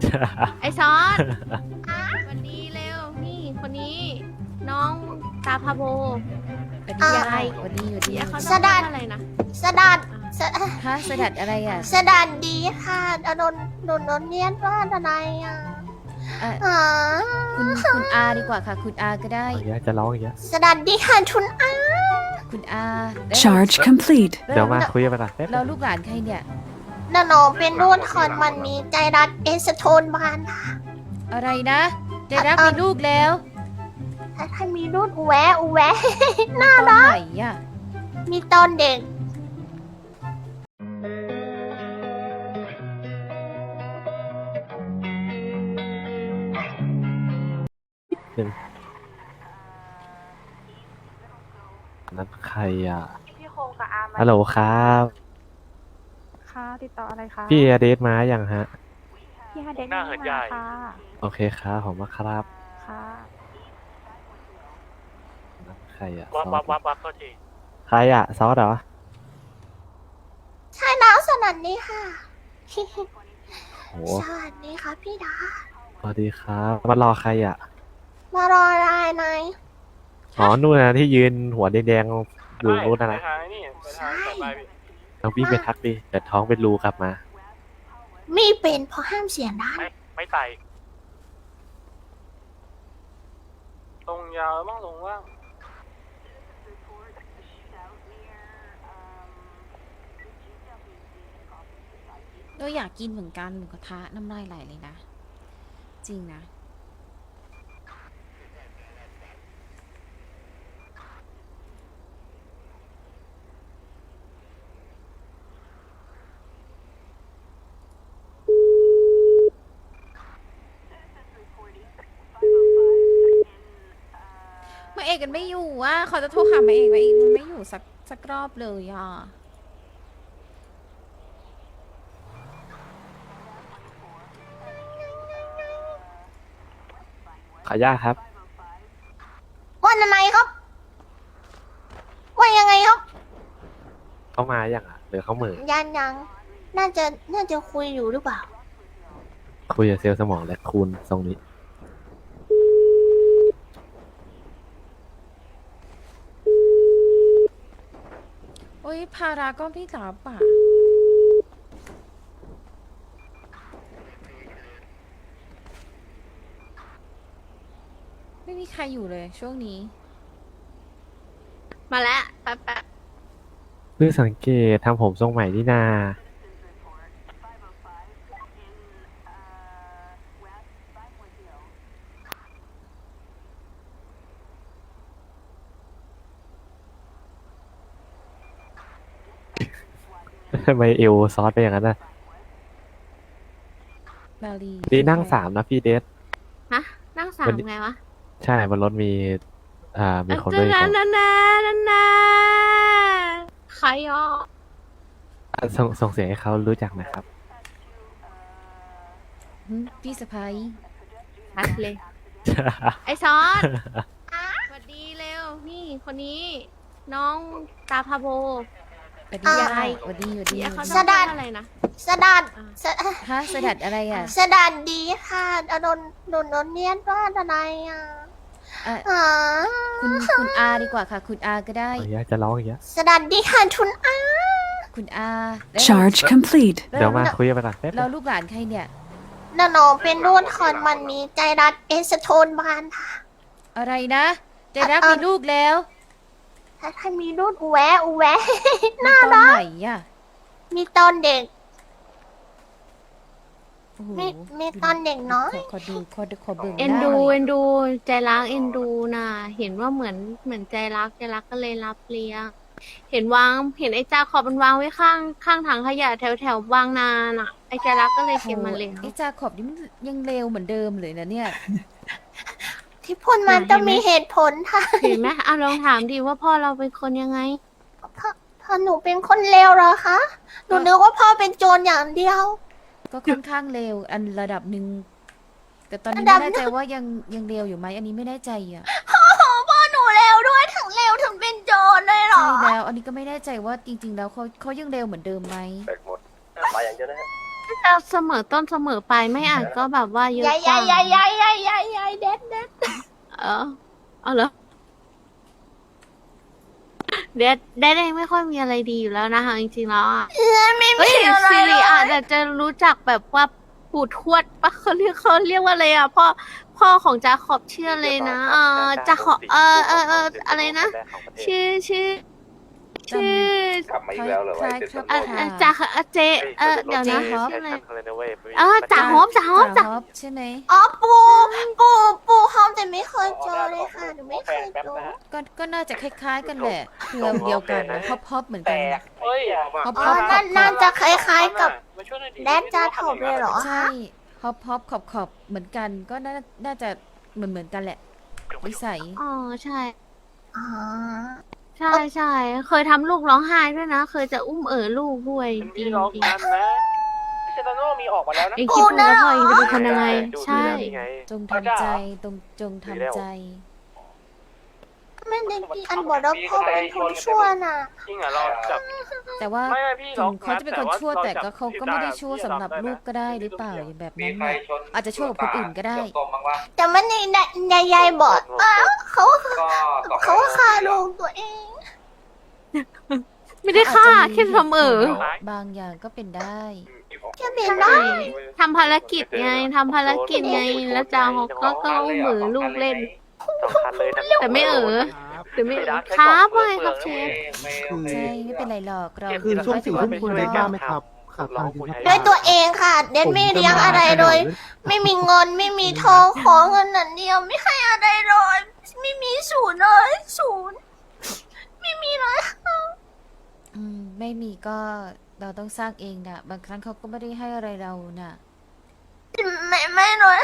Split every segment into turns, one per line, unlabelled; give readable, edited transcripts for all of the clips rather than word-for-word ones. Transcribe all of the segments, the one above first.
ไอซอสวันนี้เร็วนี่คนนี้น้องตาพาโบ
สวัสดียายสวัสดีอยู่ดี
เดี๋ยวเขา
สดัด
อะไรนะ
สดัดส
ฮะสดัดอะไรอ่ะ
สดัดดีค่ะโดนเรียนว่าอะไรอ่ะ
เอ่อ
อ๋อ
คุณอาดีกว่าค่ะ คุณอาก็ได้
อย่างเงี้ยจะร้องอย่างเงี้ย
สดัดดีค่ะทุนอา
คุณอาแล้ว
Charge complete.
เดี๋ยวมาคุยกันไปก่อนแป๊บ
เราลูกหลานใครเนี่ย
นาโนเป็นรุ่นคอนมันมีใจรักเอสโทนบานค่ะ
อะไรนะใจรักมีลูกแล้ว
ถ้ามีรุ่นอุแวะอุแวะ
น่ารักไหนอ่ะ
มีตอนเด็ก
นั้นใครอ่ะ
พี่โคกับอาร์มา
ฮัลโหลครับ
ค่ะติดต่ออะไรคะ
พี่อเดทมาอย่างฮะ
พี่ฮาเด็ก
หน้าเหินใหญ่
ค่ะ
โอเคครับผมมาครับ
ค่ะ
นั้นใครอ่ะ
วับ
ซอ
วั
ส
บวับวับโทษที
ใครอ่ะซอสเหรอ
ใช่แล้วสนัดนี้ค่ะ
โห
สวัสดีค่ะพี่ดา
สวัสดีครับมารอใครอ่ะ
มารออะไรนาย
อ๋อนู่นนะที่ยืนหัวแดงๆอยู่นู่นนะ
ไป
นะ
ทางนี่ไปทางต่อไปพี่
เราพี่ไปทักดิเดี๋ยวท้องเป็นรูกลับมา
มีเป็นเพราะห้ามเสียงดัง
ไม่ไต่ตรงยาวบ้างลงว่าง
เราอยากกินเหมือนกันหมูกระทะน้ำลายไหลเลยนะ จริงนะ มาเอกกันไม่อยู่อ่ะเขาจะโทรหามาเอกมาเอกมันไม่อยู่สักรอบเลยอ่ะ
ขออนุญาตครับ
วันอะไรครับวันยังไงครับ
เข้ามาอย่างอ่ะหรือเขาเหมือ
ยังน่าจะคุยอยู่หรือเปล่า
คุยกับเซลล์สมองและคูณทรงนี้
โอ้ยภาระก็ไม่รับอ่ะ ไม่มีใครอยู่เลยช่วงนี้
มาแล้วแป๊บ
เพิ่งสังเกตทำผมทรงใหม่นี่นาทำไมเอวซอสไปอย่างนั้นน่ะ
มาลี
ดีนั่งสามนะพี่เดท
ฮะนั่งสาม
วันนี้
ไงวะ
ใช่บนรถมีมีคนด้วย
นั่
คน
นใครอ่ะ
ส่งเสียงให้เขารู้จักนะครับ
พี่สะพ้าย
ชัดเลย ไอซอสสวัสดีเร็วนี่คนนี้น้องตาพาโบ
สวัสดียายสวัสดีอยู่ดี
เดี๋ยวเขา
สดัด
อะไรนะ
สดัดส
ฮะสดัดอะไรอ่ะ
สดัดดีค่ะโดนเรียนว่าอะไรอ่ะ
เอ่อ
อ๋อ
คุณอาดีกว่าค่ะ คุณอาก็ได้
อย่างเงี้ยจะร้องอย่างเงี้ย
สดัดดีค่ะทุนอา
คุณอาแล้ว
Charge complete.
เดี๋ยวมาคุยกันไปก่อนแป๊บ
เราลูกหลานใครเนี่ย
นาโนเป็นรุ่นคอนมันมีใจรักเอสโทนบานค่ะ
อะไรนะใจรักมีลูกแล้ว
ถ้ามีรุ่นอุแวะอุแวะ
มีตอนไหนอ่ะ
มีตอนเด็ก
โอ้โห
มีตอนเด็กน้อย
ขอดูขอเบิ่ง
เอ็น
หา
ดู
หน่อย
เอ็นดูใจรักเอ็นดูน่ะเห็นว่าเหมือนใจรักก็เลยรับเลี้ยงเห็นไอ้จาขอบมันวางไว้ข้างถังขยะแถวบางนาน่ะไอ้ใจรักก็เลยเก็บมาเลี้ยง
ไอ้จาขอบนี่มันยังเลวเหมือนเดิมเลยนะเนี่ย
ที่พูดมันต้องมีเหตุผลค่ะ
เห็นไหมเอาลองถามดิว่าพ่อเราเป็นคนยังไง
พ่อหนูเป็นคนเลวเหรอคะหนูนึกว่าพ่อเป็นโจรอย่างเดียว
ก็ค่อนข้างเลวอันระดับหนึ่งแต่ตอนนี้
ระดั
ไม่
บ
แน่ใจว่ายังเลวอยู่ไหมอันนี้ไม่แน่ใจอ่ะ
โอ้โหพ่อหนูเลวด้วยถึงเลวถึงเป็นโจรเลยเหรอ
ใช่แล้ว อันนี้ก็ไม่แน่ใจว่าจริง ๆ แล้วเขายังเลวเหมือนเดิมไหม
แบกหมดมาอย่างเดียวนะฮะ
จะเสมอต้นเสมอไปไม่อาจก็แบบว่าเยอะ
ยาย
กว่าย
ายเด็ด
เออเอาเหรอเดดเองไม่ค่อยมีอะไรดีอยู่แล้วนะคะจริงๆแล้วอ่ะ
ไม่
เฮ้
มี
ย
อะไร
ซิ
เล
ริ
ย
อาจจะรู้จักแบบว่าปู่ทวดปะเขาเรียกว่าอะไรอ่ะพ่อของจาขอบชื่อเลยนะจาขอบอะไรนะ ชื่อก
ลับมาอีกแล้วเหรอ
คล้ายครับค่ะ
จาเจเดี๋ยวนะ
เจฮอป
ชื่ออะไร
อะไรนะเว้ย
จ่าฮอบ
จ่าฮอปใช่ไหม
อ๋อปูหอมแต่ไม่เคยเจอเลยค่ะหนูไม่เคยเจอ
ก็น่าจะคล้ายๆกันแหละเครือเดียวกันนะฮอปเหมือนกัน
เฮ้ย
ฮอป
อ๋อน่าจะคล้ายๆกับ
มาช่วยหน่อยดิ
แดดจาถอบเลยเหรอ
ใช่ฮอปขอบเหมือนกันก็น่าจะเหมือนกันแหละนิสัย
อ๋อใช่
อ๋อ
ใช่เคยทำลูกร้องไห้ด้วยนะ เคยจะอุ้มลูกด้วย
เป็น
จริ
พี่
ง
ร้อง
จริง
กันนะเซตาโน่มีออกมาแล้วนะ
เองคิดดูแล้วพ่อเองจะเป็นคนยังไง ใช่
จงทำใจจงทำใจ
ไม่ได้กินอันบอกว่าพ่อเป็นคนชั่วน่ะ
จริงเหรอเราจับ
แต่ว่า
ไม่พี่
ถึ
ร้อง
งเขาจะเป็นคนชั่วแต่ก็เขาก็ไม่ได้ชั่วสำหรับลูกก็ได้หรือเปล่าอย่างแบบนั้นน่ะอาจจะชั่วกับคนอื่นก็ได้
ตรงบ้างวะ
แต่มันในยายบอกเขาฆ่าลูกตัวเอง
ไม่ได้ฆ่าแค่เสมอบ
างอย่างก็เป็นได้
แค่เป็นได้
ทำภารกิจไงแล้วจางก็อุ้มลูกเล่น
สำคัญเลยนะ
แต่ไม่หรือไม่ครับว่าไงครับเชฟ
ใช่ไม่เป็นไรหรอกเรา
คือช่วงสี่ทุ่มคุณ
เร
เล่น
ก็
บ้างไหมครับขาดตังค์จริงครับ
ด้วยตัวเองค่ะ เดนไม่เลี้ยงอะไรเลย ไม่มีเงินไม่มีทองขอเงินนั่นเดียวไม่ให้อะไรเลยไม่มีศูนย์เลยศูนย์ไม่มีเลย
ไม่มีก็เราต้องสร้างเองนะบางครั้งเขาก็ไม่ได้ให้อะไรเราน่ะ
ไม่เลย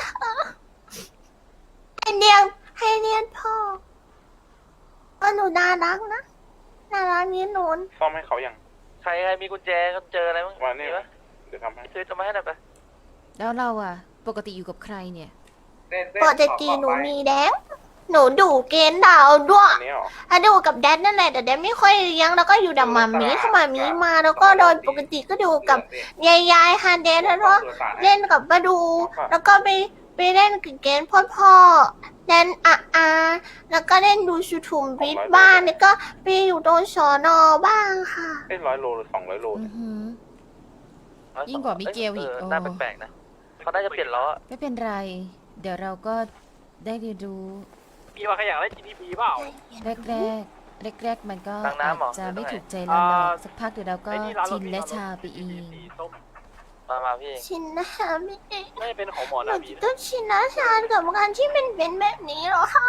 ให้เลี้ยงพ่อหนูน่ารักนะน่ารักนี้หนู
ซ่อมให้เขาอย่าง
ใครมีกุญแจก็เจออะไรบ้าง
วันนี้เดี๋ยวทำให้
ซื้อจะมาให้หน่อยไป
แล้วเราอ่ะ ปกติอยู่กับใครเนี่ย
ปกติหนูมีแดงหนูดูเกณฑ์ดาวด้วย
อันนี้หรอ
ถ้าดูกับแดดนั่นแหละแต่แดดไม่ค่อยเลี้ยงแล้วก็อยู่ดับมามีถ้ามามีมาแล้วก็โดยปกติก็ดูกับยายฮาเดนแล้วก็เล่นกับป้าดู แล้วก็ไปเล่นกับเกณฑ์พ่อเล่นแล้วก็เล่นดูชูทูมบิดบ้านแล้วก็ไปอยู่ตรงสอนอบ้างค่ะ
เป็น100 โลหรือ200 โล
อือหือ ยิ่งกว่ามิเกลอีกโอ้
น่าแปลกๆนะเขาน่าจะเปลี่ยนล้อ
ไม่เป็นไร เดี๋ยวเราก็ได้เรียนรู้
พี่ว่าใครอยากเล่น GTP เปล่า
แรกมันก็
ตั้งน้ำเหรอ
อาจจะไม่ถูกใจเราหรอกสักพักเดี๋ยวเราก็
ไอ้นี่ร้านเรา
ชินและชาไปเอง
มาพี่
ชินนะคะไม่ได้
ไม่เป็นของหมอ
หนู
นะ
จะ
พี่
ต้องชินนะชากับการที่เป็นแบบนี้เหรอคะ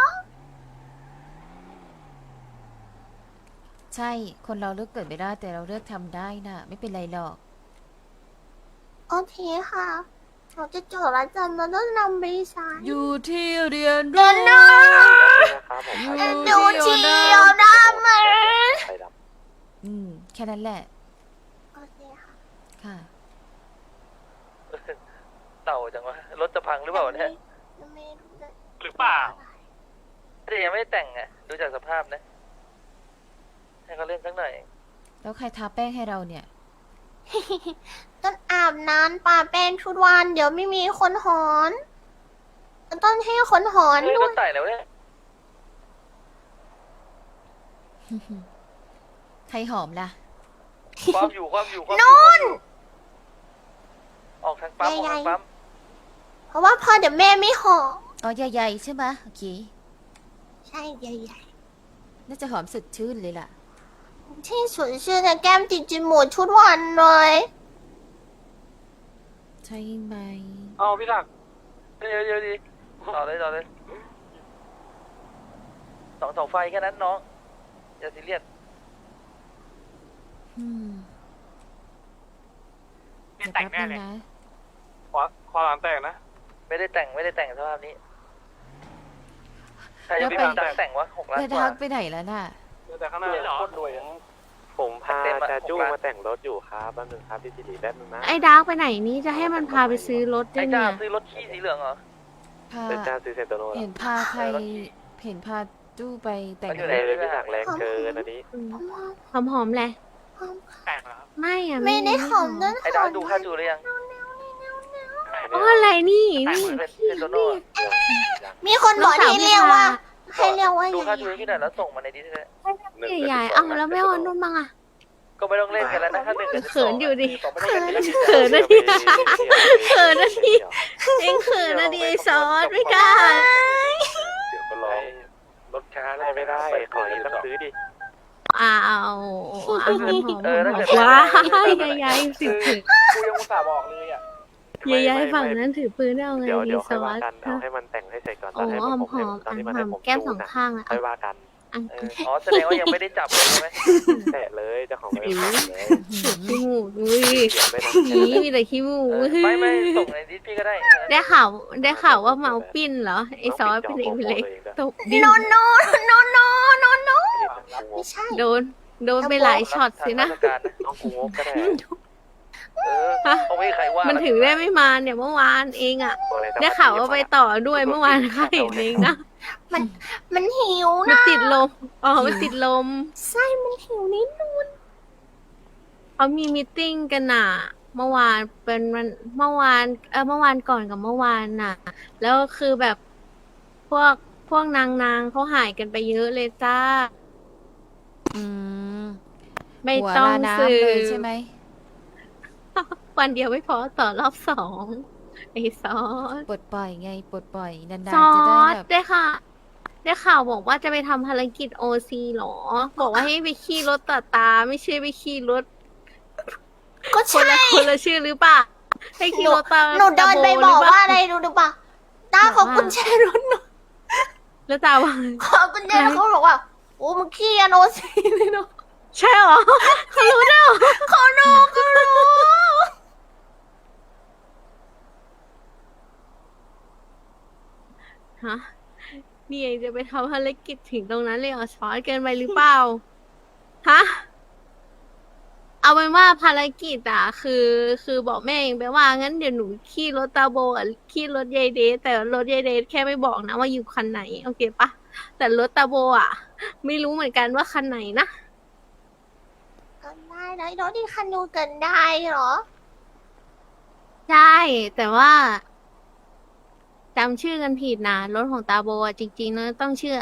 ใช่คนเราเลือกเกิดไม่ได้แต่เราเลือกทำได้น่ะ ไม่เป็นไรหรอก
โอเคค่ะเราจะจดแล้วจำเราต้องนำไปใช้
อยู่ที่เรียน
เดินหน้า
นะครับผม
ดูทีเดียวได้ไหม
ไข่ด
แค่นั้นแหละ
โอเคค่ะ
ค่ะ
เต่าจังวะรถจะพังหรือเปล่าเนี่ย
ไม่รู้เลย
หรือเปล่าแต่ยังไม่ได้แต่งอ่ะดูจากสภาพนะให้เขาเล่นสักหน่อย
แล้วใครทาแป้งให้เราเนี่ย
ต้องอาบน้ำป่าแป้งทุกวันเดี๋ยวไม่มีคนหอนต้องให้คนหอน
เฮ้ย
ด้
ร
ว
ถ
ย
ไต่แล้วเนี่ย
ใครหอมล่ะ
ความอยู่นู่นออกทางปั๊มออกทางปั๊ม
เพราะว่าพอเดี๋ยวแม่ไม่หอม
อ๋อใหญ่ๆใช่ไหมโอเค
ใช่ใหญ่
น่าจะหอมสดชื่นเลยล่ะ
ๆที่สุดชื่อแต่แก้มติดจมูกทุกวันเลย
ใช่ไหม
เอาพี่ศักดิ์เยอะดีต่อเลยสองไฟแค่นั้นน้องอย่าซีเรียส
จะแป๊บนึงนะ
ขอหลังแต่งนะ ไม่ได้แต่งสภาพนี้ใครจะไปแต่งวะ6 ล้าน
เธอก
ว่า
ทักไปไหนแล้วน่ะ
แต่ข้างหน้าเหรอโคตรรวยอะ
ผมพาจาจู้มาแต่งรถอยู่ครับแป๊บนึงครับพี่สิริแป๊บนึงนะ
ไอ้ดาร์กไปไหนนี่จะให้มันพาไปซื้อรถด้ว
ไอ้
ย
จ้า
เนี่ย
ซื้อรถขี้สีเหลืองเหรอ
พา
เป็นจ้าซื้อเซนโตโน่
เห็นพาใครเห็นพาจู้ไปแต่ง
มันอยู่
เล
ไห
ยพี่หนักแรงเกินอันนี้
หอมๆแหละ
แต่งเหรอ
ไม่อะ
ไม่ได้หอมนั่น
ไอ้ดาวดูค่าจูหรือยัง
อ๋ออะไรนี่
แต่ง
นี่
เหมือนเป็น
พี่
โตโน่
มีคนบอกให้เรียกว่าให้เรียกว่า
ดู
ไง
ค่าทูที่ไหนแล้วส่งมาในดิสเลย
พี่ใหญ่ๆเอาแล้วไม่เอานุ่นบ้างอะ
ก็ไม่ต้องเล่นกันแล้วนะถ้าหนึ่งกับ
เขินอยู่ดิ
สองไม่ต้องเล่นกัน
เขินนะดิเขินนะดิเองเขินนะดิซอสไม่กล้า
เดี๋ยวก็ร้องรถช้าแล้วไม่ได้ ขอต้องซื้อดิ
อ้าวอาหารหอม
ถ้าเกิด
ว้ายยายๆถือปืน
กูยังอุตส่าห์บอกเลยอ่ะ
ยายๆฝั่งนั้นถือปืนได้เอาไง
เดี๋ยว
ดี
ค่
ซ
อย
อ
ว่า
ส
กันเอาให้มันแต่งให้เสร็จก่อนต
โอ้
อนให้
หอม
ผม
หอม
ตอนที่มัน
ห
ให้
อม
ผม
แก้ม
จู
สอน ง
นะ
ข้างอะ
ค่อยว่ากัน
อัน
อ๋อแสดงว่ายังไม่ได้จับเลยใช่ไหม
แตะเลยเจ้าของไม่ได้ทำเลย
ขี้มูกอุ้ย
เดี๋ยวไม่ต้อง
นี่มีแต่ขี้มูก
ไม่ส่งในดิสพี่ก็ได้
ได้ข่าวว่าเมาปิ้นเหรอไอ้ซอสเป็นเอกเล็กตบดิ
โนโนโนโนโนโนไม่ใช่
โดนไปหลายช็อตสินะ
น้องกูงบก็ได้
เขาไม่มีใครว่า
มันถึงได้ไม่มาเนี่ยเมื่อวานเองอะได้ข่าวว่าไปต่อด้วยเมื่อวานค่ะเห็นเองนะ
มันหิว
มัน
นะ
ติดลมอ๋อมันติดลม
ไส้มันหิวนิดนึง
เขามีมีตติ้งกันน่ะ เมื่อวานเป็นวันเมื่อวานก่อนกับเมื่อวานน่ะ แล้วคือแบบพวกนางเขาหายกันไปเยอะเลยจ้า
อืม
ไม่
หัว
ต้อง
ลาน้ำ
ซื้อ
เลยใช่ไหม
วันเดียวไม่พอต่อรอบสองไอ้ซอส
ปลดปล่อยไงปลดปล่อยนาน
ซอ
ๆจะได้
ส
แบบ
ได้ค่ะ ได้ข่าวบอกว่าจะไปทำภารกิจโอซีหรอ บอกว่าให้ไปขี่รถต่อตาไม่ใช่ไปขี่รถ
ก็
คน
ใช่
ละคนละชื่อหรือเปล่าให้ขี่รถตา
หนูเดินไป
ตาโ
บอก
หรืเป
ว่า
ล่
อะไรรู้หรือเปล่าตาของกุญแจรถหนู
แล้วตาว่า
ขอกุญแจเขาบอกว่าโอ้มึงขี้อโนซีเลยเนาะ
ใช่เหรอเขารู้ได้เหรอ
เขารู้เขารู้
ฮะนี่เองจะไปทำภารกิจถึงตรงนั้นเลยเหรอช้อนเกินไปหรือเปล่าฮะเอาเป็นว่าภารกิจอ่ะคือบอกแม่เองไปว่างั้นเดี๋ยวหนูขี่รถตาโบอ่ะขี่รถยายเดทแต่รถยายเดทแค่ไม่บอกนะว่าอยู่คันไหนโอเคปะแต่รถตาโบอ่ะ ไม่รู้เหมือนกันว่าคันไหนนะ
กันได้แล้วรถที่คันนูกันได้เหรอ
ใช่ แต่ว่าจำชื่อกันผิดนะรถของตาโบอ่ะจริงๆแล้วต้องชื่อ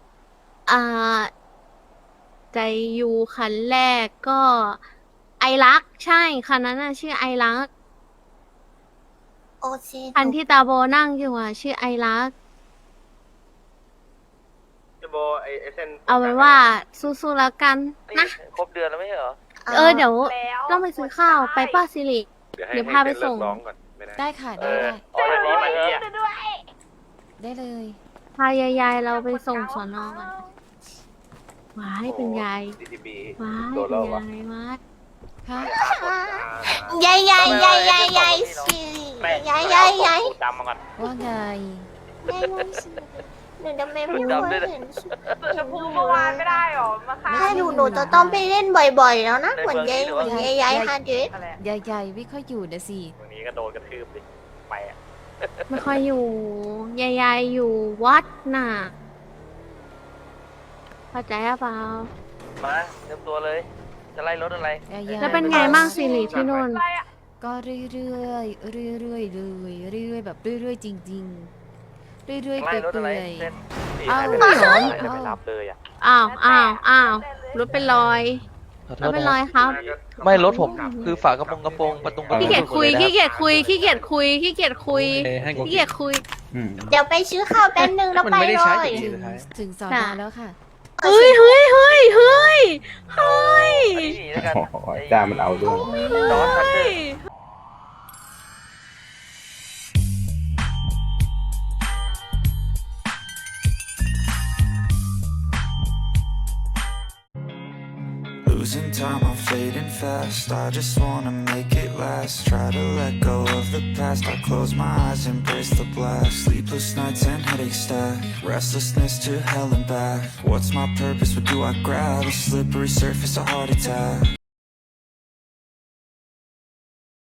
ใจยูคันแรกก็ไอรัก ใช่คันนั้นน่ะชื่อไอรัก
โอซี
คันที่ตาโบนั่งอยู่อ่ะชื่อไอรัก
โบไอเส้น
เอาไว้ว่าสู้ๆแล้วกันนะ
ครบเดือนแล้วไม่ใช่เหรอ
เดี๋ยว
แล้ว
ต้องไปซื้อข้าวไปป้าสิริ เดี๋ยวพาไปส่ง
ร้องก่อนไม่ได้
ได้ค่ะได้ได้
อ๋อแบบนี้มาเถอะ
ได้เลย
พายายเราไปส่งสอนอก่อนว้ายเป็นยาย
DTB
ว้าย
โดน
เป็
แล้ว
น
วะ
ยายว้าย
ฮะ
ยายยายยายยายยายสิยายยายยาย
ดำมาก่อน
ว่าไง
ยายยายสิหนูทำไมไม่เคยเห็น
ชมพูเมื่อวานไม่ได้หรอ มาค่ะ
ถ้าหนูจะต้องไปเล่นบ่อยๆแล้วนะเหมือนยายยายฮาเดส
อะไร
ยายไม่ค่อยอยู่นะสิ
วันนี้ก็โดนกระทืบดิไปอ่ะ
ไม่ค่อยอยู่ยายอยู่วัดน่ะเข้าใจหรือเปล่า
มาเตรียมตัวเลย จะไล่รถอะไร
ยาย
แล้วเป็นไงบ้างสิริที่นู่น
อะไรอะ
ก็เรื่อยๆเรื่อยๆเลยเรื่อยๆแบบเรื่อยๆจริงๆเรื่อยๆ
ไล่
เปื่
รถอะไร
อย
เส้น
พี่
เอา
ให้ไป
เหรอ
จะไปรับเลยอ่ะ
อ้าวรถเป็นรอยรถเป็นรอยครับ
ไม่รถผมคือฝากระโปรงประตู
ขี้เกียจคุยขี้เกียจคุยขี้เกียจคุยขี้เกียจคุยขี้เกียจคุย
เดี๋ยวไปซื้อข้าวแป๊บนึงแล้วไปเลย
ๆถึงสอนอแล้วค่ะ
เฮ้ย
นี่แล้วกัน
จ้ามันเอาด้วย
จอร์จคันเทอร์
Losing time, I'm fading fast. I just wanna make it last. Try to let go of the past. I close my eyes, embrace the blast. Sleepless nights and headaches stack. Restlessness to hell and back. What's my purpose? What do I grab? A slippery surface, a heart attack.